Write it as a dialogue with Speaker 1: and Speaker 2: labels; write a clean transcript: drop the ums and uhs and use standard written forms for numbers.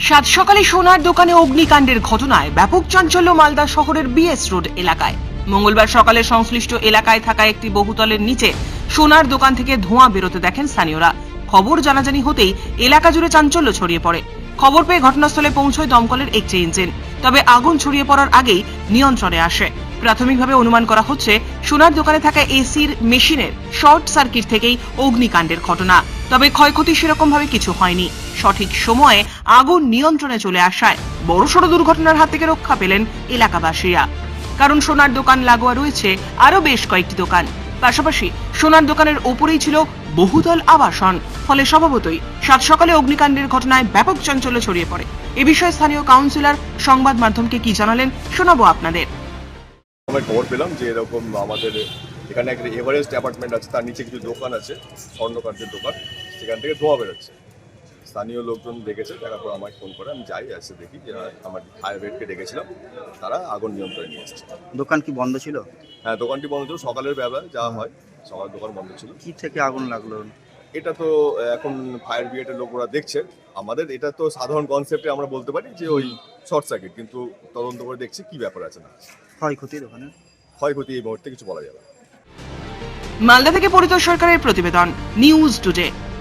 Speaker 1: সাত সকালে সোনার দোকানে অগ্নিকাণ্ডের ঘটনায় ব্যাপক চাঞ্চল্য মালদা শহরের বিএস রোড এলাকায়। মঙ্গলবার সকালে সংশ্লিষ্ট এলাকায় থাকা একটি বহুতলের নিচে সোনার দোকান থেকে ধোঁয়া বেরোতে দেখেন স্থানীয়রা। খবর জানাজানি হতেই এলাকা জুড়ে চাঞ্চল্য ছড়িয়ে পড়ে। খবর পেয়ে ঘটনাস্থলে পৌঁছয় দমকলের একটি ইঞ্জিন, তবে আগুন ছড়িয়ে পড়ার আগেই নিয়ন্ত্রণে আসে। প্রাথমিকভাবে অনুমান করা হচ্ছে সোনার দোকানে থাকা এসির মেশিনের শর্ট সার্কিট থেকেই অগ্নিকাণ্ডের ঘটনা, তবে ক্ষয়ক্ষতি সেরকম ভাবে কিছু হয়নি। সঠিক সময়ে আগুন নিয়ন্ত্রণে চলে আসায় বড়সড় দুর্ঘটনার হাত থেকে রক্ষা পেলেন এলাকাবাসীরা। কারণ সোনার দোকান লাগোয়া রয়েছে আরো বেশ কয়েকটি দোকান, পাশাপাশি সোনার দোকানের ওপরেই ছিল বহুতল আবাসন। ফলে স্বভাবতই সাত সকালে অগ্নিকাণ্ডের ঘটনায় ব্যাপক চাঞ্চল্য ছড়িয়ে পড়ে। এ বিষয়ে স্থানীয় কাউন্সিলর সংবাদ মাধ্যমকে কি জানালেন শোনাবো আপনাদের।
Speaker 2: আমরা খবর পেলাম যে এরকম আমাদের এখানে একটা এভারেস্ট অ্যাপার্টমেন্ট আছে, তার নিচে কিছু দোকান আছে, স্বর্ণকার্যের দোকান, সেখান থেকে ধোঁয়া বেরোচ্ছে। স্থানীয় লোকজন দেখেছে, দেখার পর আমাকে ফোন করে, আমি যাই, এসে দেখি যে আমার ফায়ার ব্রিগেডকে ডেকেছিলাম, তারা আগুন নিয়ন্ত্রণে নিয়ে এসেছে।
Speaker 3: দোকান কি বন্ধ ছিল?
Speaker 2: হ্যাঁ, দোকানটি বন্ধ ছিল, সকালের বেলা যাওয়া হয়, সকাল দোকান বন্ধ ছিল।
Speaker 3: কি থেকে আগুন লাগলো?
Speaker 2: এটা তো এখন ফায়ার ব্রিগেডের লোকরা দেখছে। আমাদের এটা তো সাধারণ কনসেপ্টে আমরা বলতে পারি যে ওই শর্ট সার্কিট, কিন্তু তদন্ত করে দেখছি কি ব্যাপার আছে না।
Speaker 3: ক্ষয়ক্ষতি দোকানে?
Speaker 2: ক্ষয়ক্ষতি এই মুহূর্তে কিছু বলা যাবে না।
Speaker 1: মালদা থেকে পরিতোষ সরকারের প্রতিবেদন, নিউজ টুডে।